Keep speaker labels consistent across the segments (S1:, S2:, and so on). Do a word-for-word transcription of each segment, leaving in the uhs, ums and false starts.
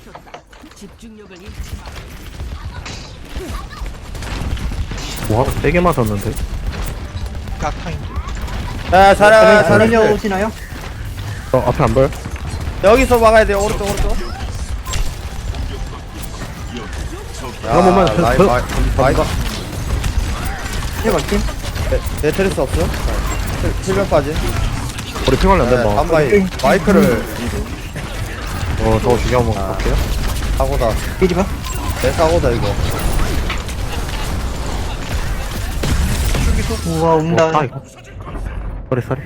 S1: 와 세게 맞았는데.
S2: 약타인데.
S3: 야 잘해
S4: 잘하려
S3: 잘해
S4: 오시나요?
S1: 어 앞에 안 보여?
S3: 여기서 막아야 돼요 오른쪽 오른쪽 야
S1: 그럼 보면
S3: 라이
S1: 그-
S3: 마이 마이가
S4: 해봐 팀.
S3: 내 테리스 없어? 힐면 빠지
S1: 우리 핑하려 안
S3: 네,
S1: 된다.
S3: 한바이 마이크를
S1: 어 저거 중요한 거 같게요.
S3: 사고다
S4: 삐리봐.
S3: 내 사고다 이거
S4: 우와 웅다.
S1: 아 이거. 쏘리 쏘리.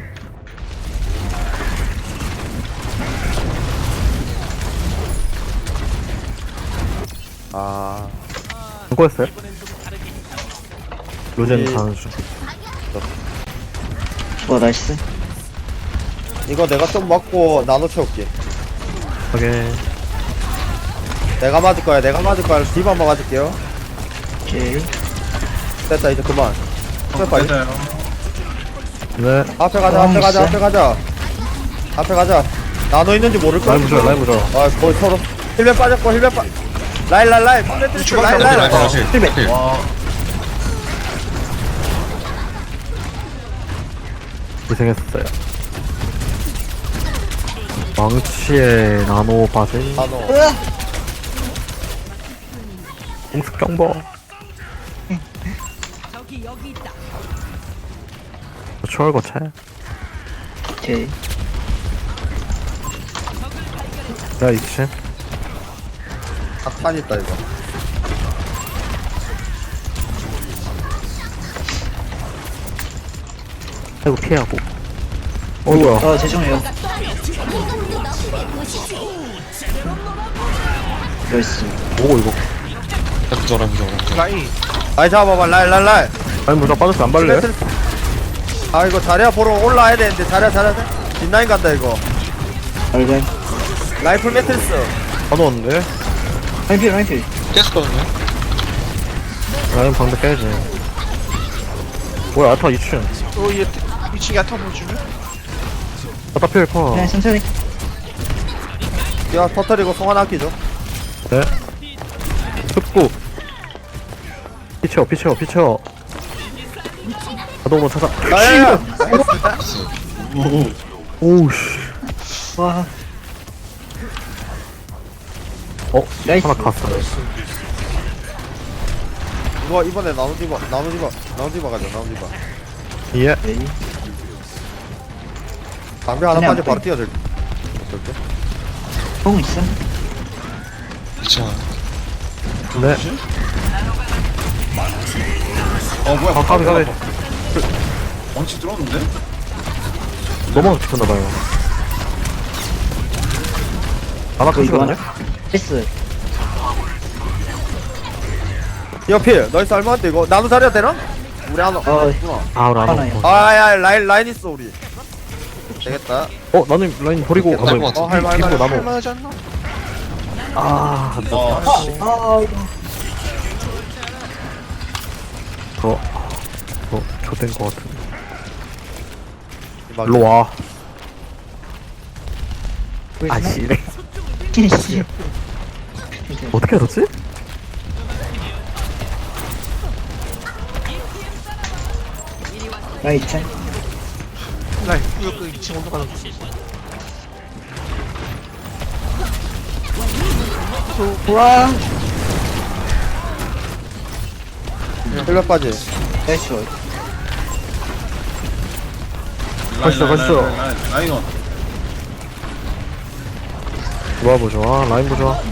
S3: 아
S1: 안 꼬였어요? 로젠
S3: 이-
S1: 가는 중.
S4: 와 나이스.
S3: 이거 내가 좀 맞고 나눠 채울게
S1: 오케이.
S3: 내가 맞을 거야 내가 맞을 거야 디바 한번 맞을게요
S4: 오케이.
S3: 됐다 이제 그만 앞에 봐
S5: 맞아요.
S1: 네.
S3: 앞에 가자 앞에 가자 앞에 가자 앞에 가자 나눠 있는지 모를 거야
S1: 라이브 줘 라이브 줘.
S3: 아 거의 서로 힐맨 빠졌고 힐맨 빠 라인 라인 라인 힐맨 라인 라인 라인
S4: 힐맨.
S5: 와,
S1: 고생했어요. 망치의 나노 바지.
S3: 나눠
S1: 공습 경보. 추월 거체.
S4: 오케이.
S1: 야 이치.
S3: 각탄 있다 이거
S1: 아이고 피하고. 어 뭐야?
S4: 어 죄송해요. 나이스.
S1: 뭐고 이거?
S5: 부져라, 부져라.
S2: 라인.
S3: 라인 잡아봐 라인 라인 라인
S1: 아니 뭐저 빠졌어 안 발래?
S3: 아 이거 자리야 보러 올라와야 되는데 자리야 자리야 뒷라인 간다 이거
S4: 알갈.
S3: 라이플 매트리스
S1: 다 넣었는데?
S4: 라인필 라인필.
S5: 깼거든요?
S1: 라인 방대 깨야지. 뭐야 아타 이 층.
S2: 어, 얘 이 층 야타 보여주네.
S1: 아타 필 커.
S4: 그냥 천천히.
S3: 야 터트리고 송환 아끼죠
S1: 네. 습구. 피쳐 피쳐 피쳐. 나도 한번 찾아.
S3: 야야야
S1: 오우씨.
S4: 와.
S1: 어?
S4: 나이스.
S1: 하나 갔어.
S3: 이거 이번에 나노 디바 나노 디바 나노 디바 가자 나노 디바
S1: 예.
S4: 오케이.
S3: 방배 하나
S4: 그냥
S3: 빠져 바로
S4: 안
S3: 뛰어들 어떨게?
S4: 공 있어?
S5: 이차.
S1: 네.
S5: 어, 뭐야.
S1: 아 가비 가비.
S5: 원치 들어오는데?
S1: 너무 지켰나봐요. 아나
S4: 어, 이거
S1: 크시거든요?
S4: 하나? 패스.
S3: 옆필 너희 쌀만한데 이거 나노 자리야 되나? 우리 하나
S4: 어.
S3: 있구나
S1: 아 우리 안
S4: 하나요.
S1: 오고.
S3: 아야 라인 라인 있어 우리 되겠다
S1: 어 나는 라인 버리고
S5: 날
S1: 가면
S5: 것 같은데?
S3: 어, 할 말,
S1: 뒤로
S3: 할 말,
S1: 나눠.
S2: 할만하지 않나?
S1: 아 안돼.
S5: 와, 씨.
S4: 아 이거.
S1: 저, 저, 좆된 거 같은데. 일로 와. 아, 씨래.
S4: 씨.
S1: 어떻게 알았지?
S4: 나이스.
S2: 라인. 이거 그 이 층 올라가는 거.
S4: 와.
S3: 힐러 빠지
S4: 나이스.
S1: 가시죠, 가시죠.
S5: 라이온.
S1: 좋아, 보 좋아. 라인 보 좋아.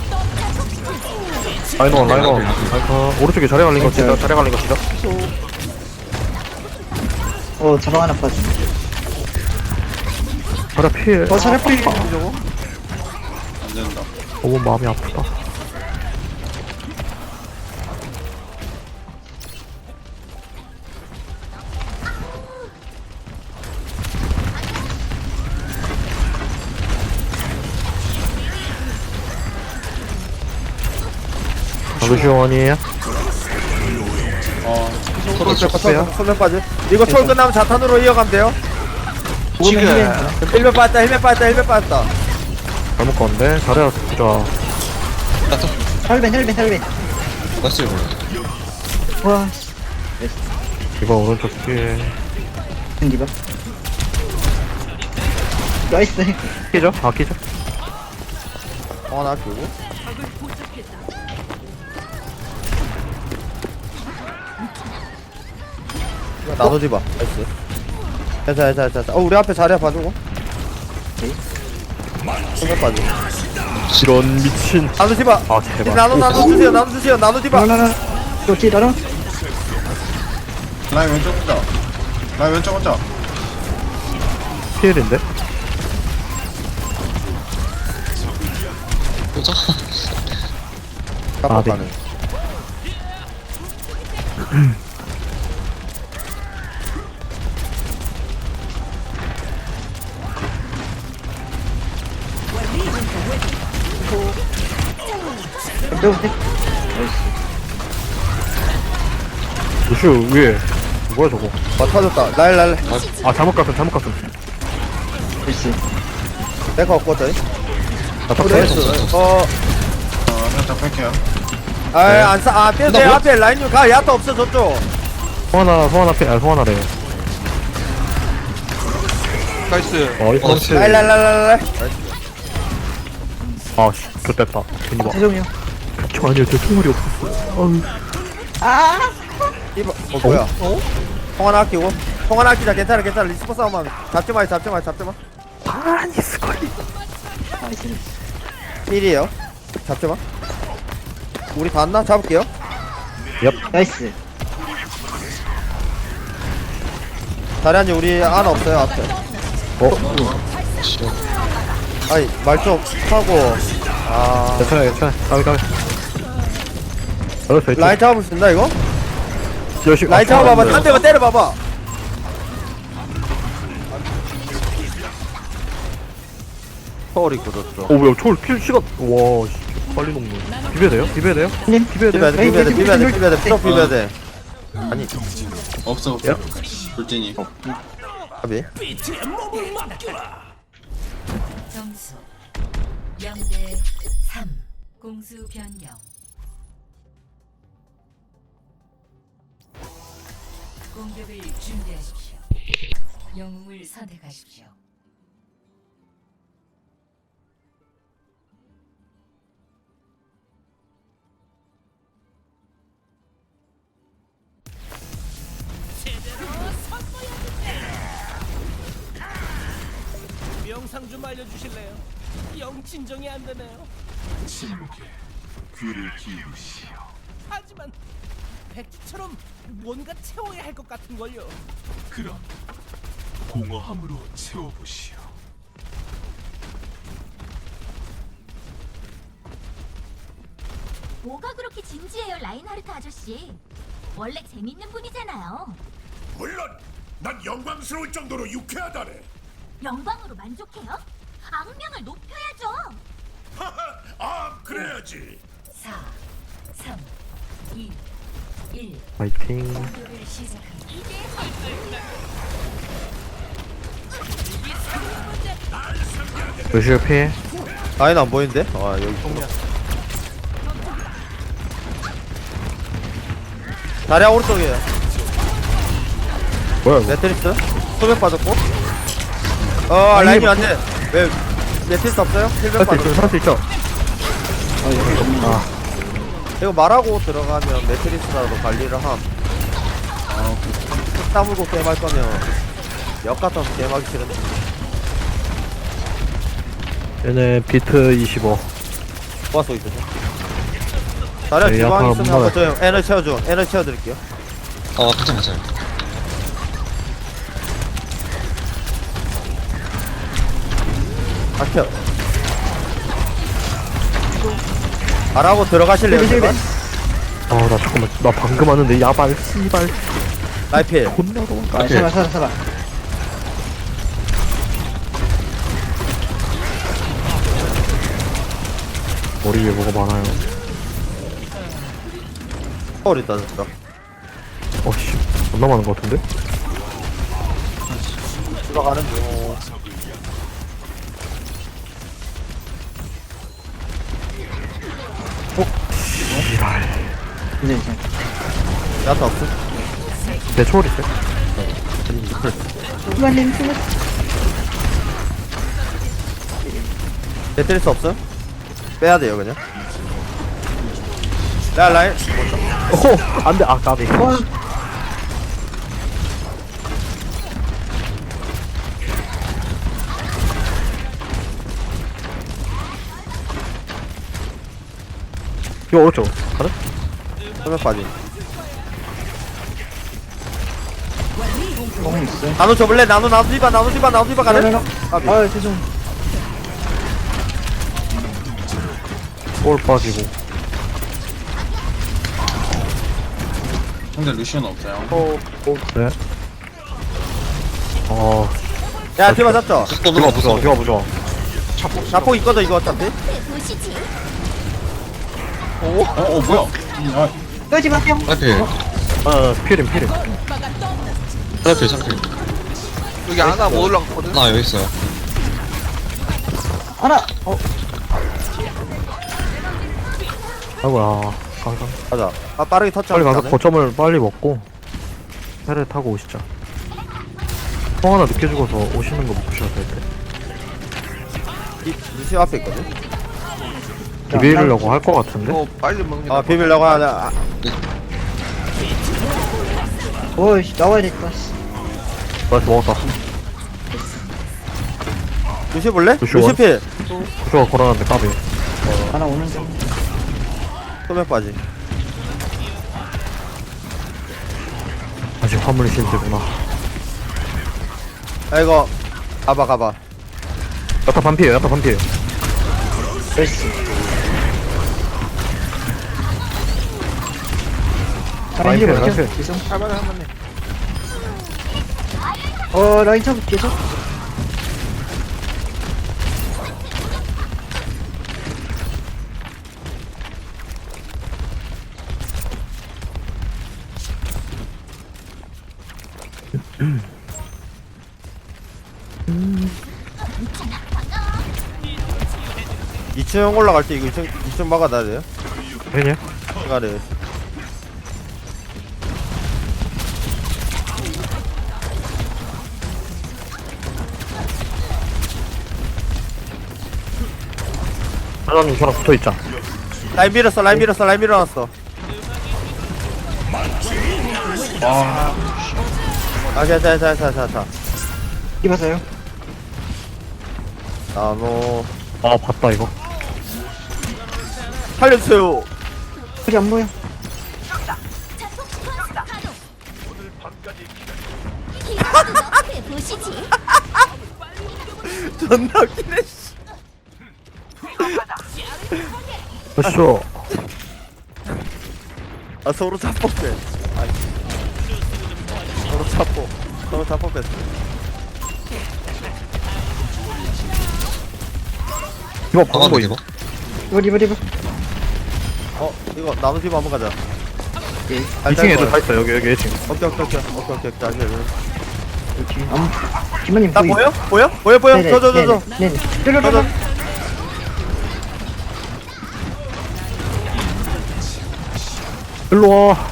S1: 라인 원, 라인 원. 라인 원. 오른쪽에 자리 갈린 거 진짜, 자리 갈린 거 진짜.
S4: 어 자방 하나 빠지.
S1: 자리 피해.
S4: 어 차례 필.
S2: 저거?
S5: 안 된다.
S1: 너무 마음이 아프다. 루시원이에요?
S5: 어,
S3: 소면 빠지 소면 빠지 이거 초월 끝나면 자탄으로 이어가면 돼요
S2: 지금.
S3: 힐맨 빠졌다 힐맨 빠졌다 힐맨 빠졌다
S1: 잘못 건데? 잘해야 보자.
S4: 혈벤 혈벤 혈벤
S6: 났어요 이거.
S4: 와
S1: 이거 오른쪽 뒤에
S4: 디바 나이스
S1: 끼죠? 아 끼죠?
S3: 어, 나 그거. 나도 디바. 나이스. 됐다, 됐다, 됐다. 어, 우리 앞에 자리야 봐주고. 손을 빠지.
S1: 지런 미친
S3: 나도 디바.
S1: 아 제발
S3: 나도, 나도 주세요, 나도 주세요, 나도 디바.
S4: 나나나 좋지 나나
S5: 라인 왼쪽 혼자. 라인 왼쪽 혼자.
S1: 피해인데?
S6: 보자.
S1: 아, 네.
S3: 깜빡하네.
S4: 좀
S1: 루슈 위에 뭐야 저거
S3: 어, 터졌다. 날, 날.
S1: 아 잘못 갔음 잘못 갔음
S4: 나이스
S3: 내가 없거든.
S1: 나 탑.
S3: 나이스. 어,
S5: 어, 살짝 뺄게요.
S3: 아이, 안 싸, 아, 빼도 돼. 앞에 라인 좀 가. 야타 없어, 저쪽.
S1: 송하나 송하나 피아 송하나래
S2: 나이스.
S1: 어이
S6: 어,
S1: 펀치
S3: 날, 날, 날, 날, 날.
S1: 아씨 좋됐다 괜히 봐
S4: 세종이요
S1: 저 아니요 저 총알이 없었어 어우
S3: 이봐. 어, 뭐야. 어? 통 하나 아끼고. 통 하나 아끼자. 괜찮아, 괜찮아. 리스포 싸움만. 잡지 마, 잡지 마, 잡지 마.
S1: 아니 스컬리
S4: 나이스
S3: 일이에요. 잡지 마. 우리 다 왔나? 잡을게요.
S4: 나이스
S3: 자리한지 우리 하나 없어요, 앞에.
S1: 어?
S6: 싫어.
S3: 아니, 말 좀 하고. 아.
S1: 괜찮아 괜찮아 가위 가위 알았어
S3: 라인 잡을 수 있나, 이거?
S1: 열심히
S3: 라인 잡아봐봐. 한 대만 때려봐봐. 서울이 굳었어.
S1: 오 뭐야 초월 킬 시간 와 씨, 빨리 녹네 비벼야 돼요? 비벼야 돼요?
S4: 님
S1: 비벼야
S3: 비벼야
S1: 돼요?
S3: 돼, 비벼야 돼, 비벼야 돼, 비벼야 돼. 쭉 비벼야 돼. 아니,
S5: 없어, 없어. 돌진이.
S3: 가비.
S7: 점수 영 대 삼 공수 변경 공격을 준비하십시오. 영웅을 선택하십시오.
S8: 영상 좀 알려주실래요? 영 진정이 안 되네요.
S9: 침묵에 귀를 기울이시오.
S8: 하지만 백지처럼 뭔가 채워야 할 것 같은 걸요.
S9: 그럼 공허함으로 채워보시오.
S10: 뭐가 그렇게 진지해요, 라인하르트 아저씨? 원래 재밌는 분이잖아요.
S9: 물론 난 영광스러울 정도로 유쾌하다네.
S10: 영광으로 만족해요? 악명을 높여야죠.
S9: 아, 그래야지.
S7: 사, 삼, 이, 일
S1: 파이팅
S7: 공격을 시작합니다.
S1: 루슈 피해
S3: 라인 안 보이는데? 아, 여기. 자리야, 오른쪽이에요.
S1: 뭐야 이거
S3: 매트리스. 소백 빠졌고. 어, 라인이 안 돼. 왜? 매트리스 없어요? 힐백
S1: 살 수 있죠
S3: 빠졌고.
S1: 살 수 있죠
S3: 이거 말하고 들어가면 매트리스라도 관리를 함. 아, 그, 따물고 게임할 거면 역 같아서 게임하기 싫은데.
S1: 얘네 비트 이십오
S3: 모아서 있어요. 자리야,
S1: 네,
S3: 주방
S1: 약간
S3: 있으면
S1: 뭔가-
S3: 한번 저 에너지 채워줘. 에너지 채워드릴게요.
S6: 어, 괜찮아, 괜찮아.
S3: 아, 채워. 말하고 들어가실래요, 제발?
S1: 아 나 잠깐만 나 방금 왔는데 야발 씨발
S3: 라이필.
S1: 존나 도망가
S4: 아 살아 살아 살아
S1: 머리 위에 뭐가 많아요
S3: 서울 있다, 진짜.
S1: 어씨 존나 많은 것 같은데?
S3: 들어가는 중.
S4: 근데 이제
S3: 야타 없어?
S1: 내 초월 있어요?
S4: 후반님 후반
S3: 매트리스 없어? 빼야 돼요 그냥. 야 라인.
S1: 오! 안 돼, 아, 까비. 이거 오른쪽. 가자.
S3: 화면 빠지.
S4: 뽕 있어
S3: 나노 줘볼래? 나노 나노 디바 나노 디바 나노 디바 가네. 까비.
S4: 아 죄송
S1: 볼 빠지고.
S5: 상대 루시오는 없어요.
S3: 어,
S1: 네. 어,
S3: 야 디바 잡죠.
S6: 또
S1: 디바
S6: 누가
S1: 부좋아, 디바 부좋아.
S3: 자폭 있거든 이거 어차피.
S10: 보시지.
S5: 어, 어, 뭐야? 아,
S4: 끄지 마세요
S6: 앞에
S1: 아, 피림, 피림.
S6: 앞에 상태.
S2: 여기 하나 못 올라갔거든.
S6: 나 여기 있어요.
S4: 하나 어
S1: 아이고야. 가자.
S3: 가자. 아 빠르게 터치.
S1: 빨리 가서 거점을 빨리 먹고, 배를 타고 오시죠. 통 하나 늦게 죽어서 오시는 거 못 보셔도 될 때.
S3: 루시 앞에 있거든.
S1: 비비려고 할 거 같은데?
S2: 이거 빨리 먹는 게
S3: 아
S2: 나아.
S3: 비밀라고 하냐. 아,
S4: 어이씨 나와야 될것 같아
S1: 나이스, 먹었다.
S3: 루시 볼래?
S1: 루시
S3: 루시
S1: 원?
S3: 필.
S1: 구조가 걸어놨는데 까비.
S4: 하나 오는 중
S3: 소면 빠지.
S1: 아직 화물 실드구나.
S3: 아 이거 가봐 가봐.
S1: 야타 반피에요, 야타 반피에요.
S4: 나이스 라인
S1: 라인
S4: 힐
S1: 필,
S4: 버텨
S1: 라인 필.
S4: 죄송
S2: 할만해 할만해.
S4: 어 라인 잡 계속
S3: 이 층 올라갈 때 이거 이 층 이 층 막아놔야 돼요.
S1: 아니냐?
S3: 시간에.
S1: 하나님 저랑 붙어있자.
S3: 라인 밀었어 라인 밀었어 라인 밀어놨어. 아 자자자자자자.
S4: 입었어요
S3: 나노
S1: 아, 봤다, 이거.
S3: 살려주세요.
S4: 여기 안 보여
S10: 앞에 보시지.
S3: 존나 웃기네. 씨.
S1: 으쌰.
S3: 아 서로 자뻑대. 아 서로 자뻑. 서로 자뻑댔어.
S1: 이거
S6: 나가도
S1: 방금
S6: 되고.
S1: 이거.
S4: 이거 리버 리버
S3: 어 이거 나노 팀 한번 가자.
S1: 이 층에 애들 다 있어, 여기, 여기 일 층.
S3: 오케이 오케이 오케이 오케이 오케이 자 이제
S4: 여기 아무 김만님
S3: 나 보여? 보여? 보여 보여?
S4: 네네,
S3: 저저 저 저.
S4: 네네
S3: 저,
S4: 네네
S3: 저.
S1: 일로 와.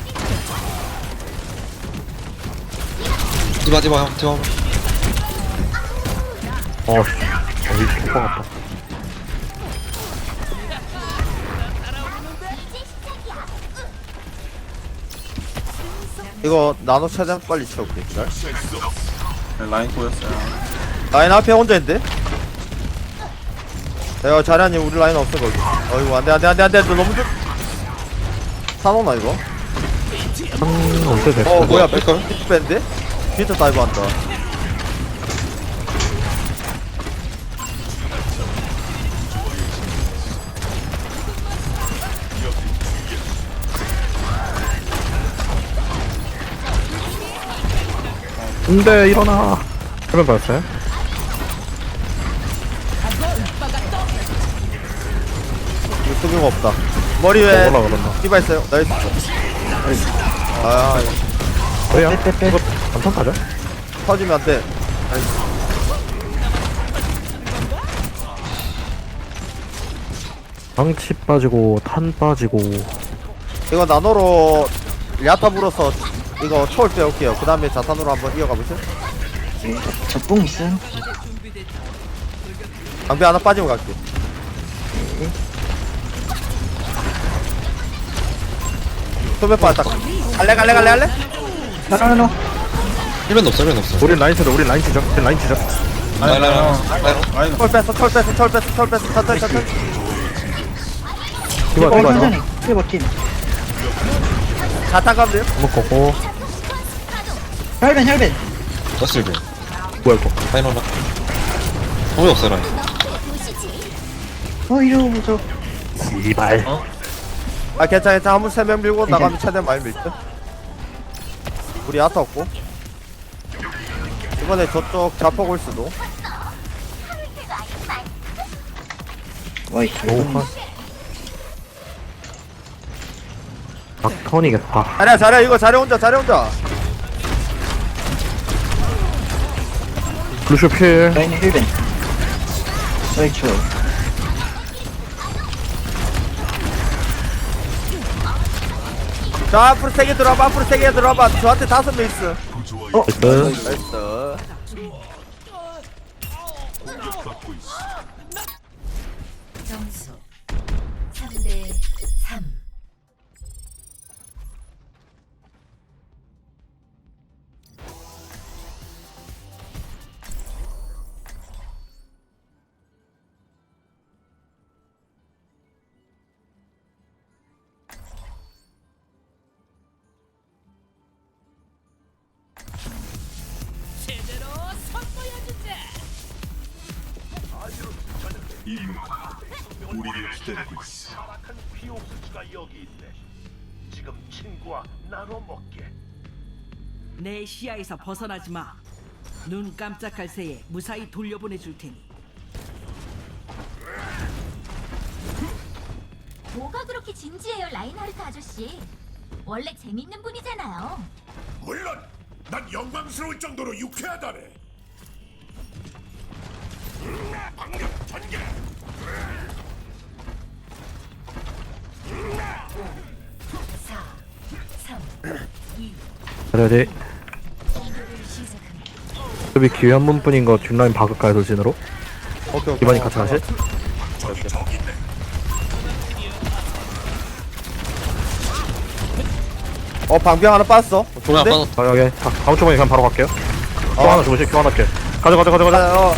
S6: 디바 디바 형 디바.
S1: 어, 씨. 어, 이 오빠 같다.
S3: 이거 나노 최대한 빨리 채울게. 기다려.
S5: 네, 라인 꼬였어요.
S3: 라인 앞에 혼자 있는데? 내가 자리아님 우리 라인 없어 거기. 어이구 안돼 안돼 안돼 안돼 너 너무 좀 사놓나 이거?
S1: 한, 언제 됐어?
S3: 어 뭐야
S6: 뺄걸?
S3: 비트 밴드? 비트 다이브 한다.
S1: 근데 일어나. 그러면 봤어요?
S3: 이거 수비가 없다. 머리 왜
S1: 올라 그랬나?
S3: 디바 있어요? 나이스. 아
S1: 왜요?
S4: 빼빼빼
S1: 이거 안탄 타죠?
S3: 터지면 안 돼. 나이스.
S1: 망치 빠지고 탄 빠지고.
S3: 이거 나노로 야타 불어서 이거 초월 빼올게요. 그 다음에 자탄으로 한번 이어가 보세요.
S4: 네. 저뽕 있음.
S3: 방패 하나 빠지고 갈게. 소매 빠졌다. 갈래 갈래 갈래 갈래?
S4: 나나나.
S6: 힐벤 없어 힐벤 없어
S1: 우린 라인 치자, 우린 라인 치자, 우린 라인 치자.
S6: 라인 라인 라인 라인
S5: 라인
S3: 철 뺐어 철 뺐어 철 뺐어 철 뺐어 천천히 천천히.
S1: 디바,
S4: 어,
S1: 디바, 디바.
S4: 천천히. 힐 팀.
S3: 자탄 가면 돼요?
S1: 한번 걷고.
S4: 혈벤, 혈벤.
S6: 더스 힐벤
S1: 뭐야, 이거.
S6: 라인 하나 정말 없어 라인
S4: 어, 이러고 저.
S1: 이발.
S3: 아 괜찮아 괜찮아. 한번 세 명 밀고 나가면 최대한 많이 밀 듯. 우리 야타 없고. 이번에 저쪽 자폭 올 수도.
S4: 와이,
S1: 너무 파. 막턴이겠다.
S3: 잘해 잘해 이거 잘해 혼자 잘해 혼자.
S1: 루시오 필.
S4: 라인 힐벤. 와이, 좋아.
S3: 자 앞으로 세개 들어와봐 앞으로 세개 들어와봐. 저한테 다섯 명 있어.
S1: 어, 나이스.
S3: 나이스.
S7: 점수 삼 대 삼.
S8: 제대로 선보여주자.
S9: 이누가 우리를 기다리고 있어. 피옥수수가 여기 있네. 지금 친구와 나눠 먹게.
S8: 내 시야에서 벗어나지 마. 눈 깜짝할 새에 무사히 돌려보내 줄 테니.
S10: 뭐가 그렇게 진지해요, 라인하르트 아저씨? 원래 재밌는 분이잖아요.
S9: 물론 난 영광스러울 정도로 유쾌하다네. 방력 전개.
S7: 사, 삼, 이.
S1: 그래야지.
S7: 공격을 시작합니다.
S1: 수비 기회 한 번뿐인 거 뒷라인 박을까요, 돌진으로?
S3: 오케이 오케이.
S1: 기반이 같이 가실?
S3: 어 방병 하나 빠졌어.
S6: 조명
S3: 좋은데?
S6: 아빠
S1: 아, 여기. 다, 다음 초반에 그냥 바로 갈게요. 큐 하나 주무시, 큐 하나 할게. 가자, 가자, 가자, 가자.
S3: 아, 어,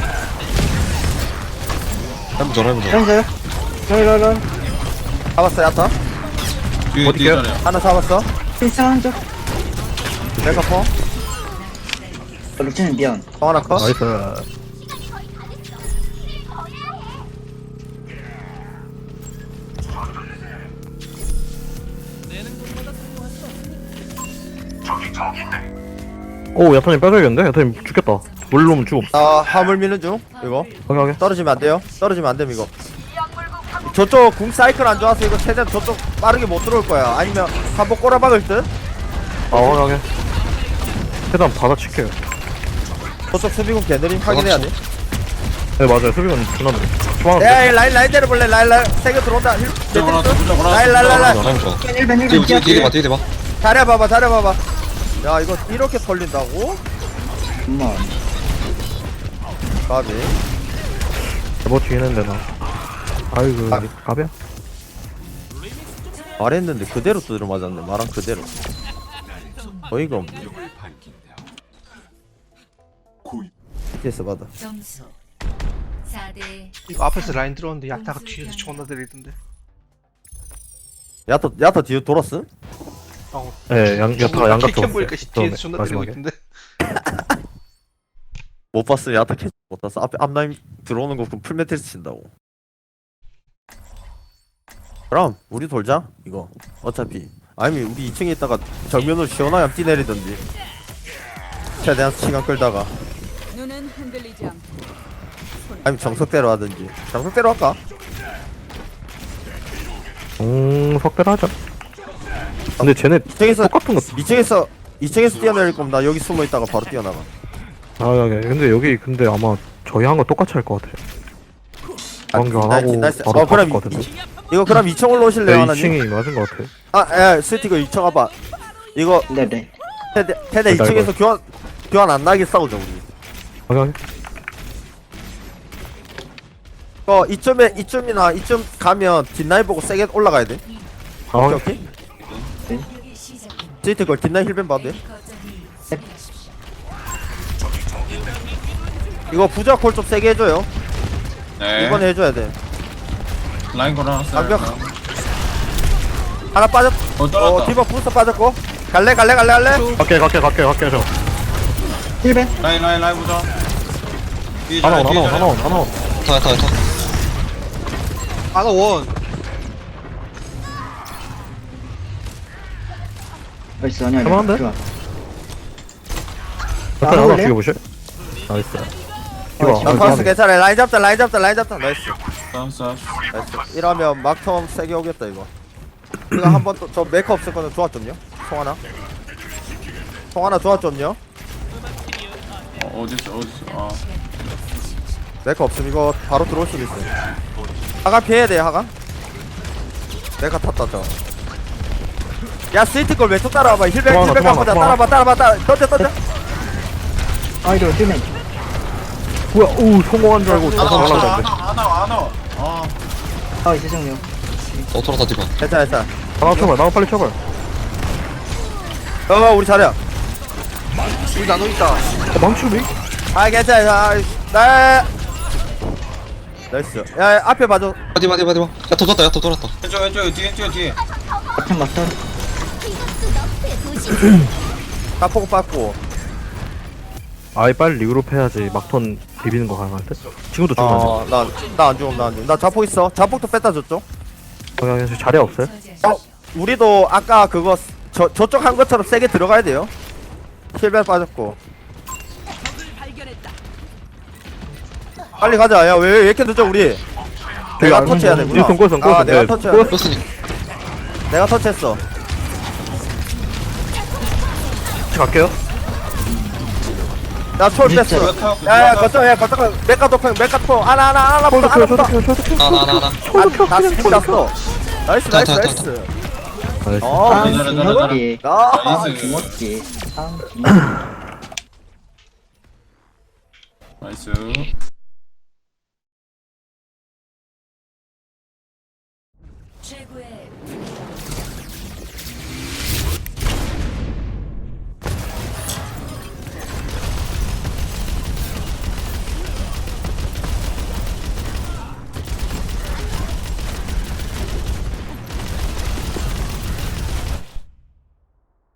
S6: 해보자 해보자
S4: 라인 자요. 라인, 라인, 라인.
S3: 잡았어 야타.
S5: 뒤에
S1: 어디
S5: 뒤에
S1: 있어요?
S5: 자리야.
S3: 하나 잡았어.
S4: 필상 적.
S3: 메가포.
S4: 루틴은 미안.
S3: 방 하나 컷.
S1: 나이스.
S10: 시간이 거의 다 됐어. 일을 더 해야 해.
S1: 오, 야타님 빼줘야겠는데? 야타님 죽겠다. 물로 오면 죽음.
S3: 나 화물 미는 중. 이거
S1: 오케이, 오케이.
S3: 떨어지면 안 돼요. 떨어지면 안 됨 이거. 저쪽 궁 사이클 안 좋아서 이거 최대한 저쪽 빠르게 못 들어올 거야. 아니면 한번 꼬라박을 듯.
S1: 아, 확인하게. 최대한 받아칠게요.
S3: 저쪽 수비군 개느림 확인해야 돼.
S1: 네, 맞아요. 수비는 존나 느려. 초반
S3: 야, 야, 라인 라인 때려볼래. 라인 라인 세게 들어온다. 힐.
S5: 들어가라,
S3: 매트리스.
S5: 들어가라.
S3: 라인 라인 라인 라인.
S6: 라인 좋아
S4: 힐벤, 힐벤.
S6: 뒤에 뒤에 뒤에 봐
S4: 뛰어.
S6: 뒤에 봐
S3: 잘해봐봐 잘해봐봐. 야 이거 이렇게 털린다고?
S4: 엄마.
S3: 가비.
S1: 뭐 뒤에는데 나. 아이고,
S3: 아.
S1: 가비야.
S3: 말했는데 그대로 두드려 맞았네. 말한 그대로. 어이가 없네. 피에스 받아.
S7: 점수 사 대
S2: 이거 앞에서 라인 들어오는데 약타가 뒤에서 존나 들이던데.
S3: 야타 야타 뒤에 돌았음?
S1: 예, 양, 야타가 양각
S2: 캐
S1: 줬어요.
S2: 보니까 뒤에서 존나 들이고 있던데.
S3: 못 봤어. 야타 캐치 못 봤어. 앞에 앞라인 들어오는 거 풀메테리스 친다고. 그럼 우리 돌자 이거. 어차피 아니면 우리 이 층에 있다가 정면으로 시원하게 뛰 내리던지. 최대한 시간 끌다가.
S7: 눈은 흔들리지 않고
S3: 아니면 정석대로 하든지. 정석대로 할까?
S1: 음, 석대로 하자. 근데 쟤네
S3: 이 층에서
S1: 똑같은 거.
S3: 이 층에서 이 층에서 뛰어내릴 거면 나 여기 숨어 있다가 바로 뛰어나가.
S1: 아, 여기. 근데 여기 근데 아마 저희 한 거 똑같이 할 것 같아요.
S3: 아,
S1: 관계 안
S3: 나이스,
S1: 하고
S3: 나이스.
S1: 바로
S3: 어, 그럼
S1: 바꿀 것 같은데.
S3: 이거 그럼 이 층 올라오실래요
S1: 네,
S3: 하나님?
S1: 이 층이 맞은 것 같아.
S3: 아, 예, 스티커 이 층 와봐. 이거
S4: 네네.
S3: 테대 테대 이
S1: 됐다,
S3: 층에서
S1: 이거.
S3: 교환 교환 안 나게 싸우자 우리.
S1: 방금
S3: 어 이쯤에 이쯤이나 이쯤 가면 뒷라인 보고 세게 올라가야 돼.
S1: 아,
S3: 오케이 오케이.
S7: 공격이 시작됩니다.
S3: 스티커 뒷라인 힐벤 봐도 돼.
S7: 거점이 수비하십시오.
S3: 이거 부자 콜 좀 세게 해줘요.
S5: 네.
S3: 이번에 해줘야 돼.
S5: 라인 걸어놨어요.
S3: 완벽. 하나 빠졌.
S5: 어,
S3: 어
S5: 떨어졌다.
S3: 디버 부스터 빠졌고. 갈래 갈래 갈래 갈래.
S1: 갈게 갈게 갈게 갈게 저.
S4: 힐벤.
S5: 라인, 라인, 라인 보자. 뒤에
S1: 하나 온
S5: 자리야,
S1: 하나
S5: 뒤에
S1: 온
S5: 자리야.
S1: 하나 온 하나 온.
S6: 타, 타, 타.
S2: 아나 원.
S4: 나이스 아니야.
S1: 할만한데?
S4: 좋아.
S1: 옆에
S4: 아,
S1: 하나
S4: 올래요?
S1: 죽여보실? 나이스.
S4: 어,
S1: 이거
S3: 나
S1: 안
S3: 파스
S1: 돼.
S3: 괜찮아. 라인 잡자 라인 잡자 라인 잡자. 나이스.
S5: 싸웠어.
S3: 나이스. 이러면 막텀 세게 오겠다 이거. 이거 한번 또 저 메이크 없을 거는 조합 좀요. 송하나. 송하나 조합 좀요.
S5: 어, 어딨어, 어딨어. 아.
S3: 메이크 없음 이거 바로 들어올 수도 있어요. 하가 피해야 돼 하가. 메이크 탔다 저. 야 스위트 걸 왼쪽 따라와봐. 힐백
S1: 도망가,
S3: 힐백
S1: 도망가,
S3: 갖고 자.
S1: 도망가.
S3: 따라봐 따라봐 따라. 던져 던져.
S4: 아이돌 힐벤.
S1: 뭐야? 오 성공한 줄 알고
S5: 안
S1: 다시
S5: 와,
S1: 날라갔는데.
S5: 안 와, 안 와. 아.
S4: 아 죄송해요.
S6: 어, 돌아다 디바.
S3: 괜찮아 괜찮아.
S1: 나가 쳐봐. 나가 빨리 쳐봐.
S3: 어 우리 잘해.
S2: 우리 나눠 있다.
S1: 어, 망치네.
S3: 아 괜찮아. 아, 나. 나이스. 야, 야 앞에 봐줘.
S6: 디바, 디바, 디바. 야, 더 돌았다, 야, 더 돌았다.
S5: 왼쪽, 왼쪽, 뒤에, 뒤에, 뒤에.
S4: 막탄 막탄.
S3: 가포고 빠고.
S1: 아이 빨리 리그룹 해야지 막턴 비비는 거 가능할 듯. 지금도 죽으면 안 돼.
S3: 어나나 안 죽음 나 안 죽음. 나 자폭 있어. 자폭도 뺐다 줬죠.
S1: 방향 자리 없어요?
S3: 어 우리도 아까 그거 저 저쪽 한 것처럼 세게 들어가야 돼요. 힐벨 빠졌고.
S8: 발견했다.
S3: 빨리 가자. 야왜 왜 이렇게 늦어 우리? 내가
S1: 안
S3: 터치해야
S1: 늦어.
S3: 되구나.
S1: 닐슨 꼬였어,
S3: 아
S1: 꼬였어.
S3: 내가
S1: 네,
S3: 터치해.
S1: 꼬였어.
S6: 플러스니.
S3: 내가 터치했어.
S1: 같이 갈게요.
S3: 나철 뺐어.
S5: 그렇다,
S3: 야야
S5: 그렇다.
S3: 거점 야 거점 메카 도평 메카 토 하나 하나 하나 보다 하나 보다.
S6: 나, 나, 나, 나.
S3: 나 스킬 났어. 나이스
S6: 자,
S3: 나이스
S6: 자, 자,
S3: 나이스.
S1: 나이스.
S3: 어
S4: 아
S5: 잘해, 잘해,
S4: 주먹기.
S3: 나.
S5: 나이스.
S4: 주먹기. 아 주먹기.
S5: 나이스.
S7: 최고의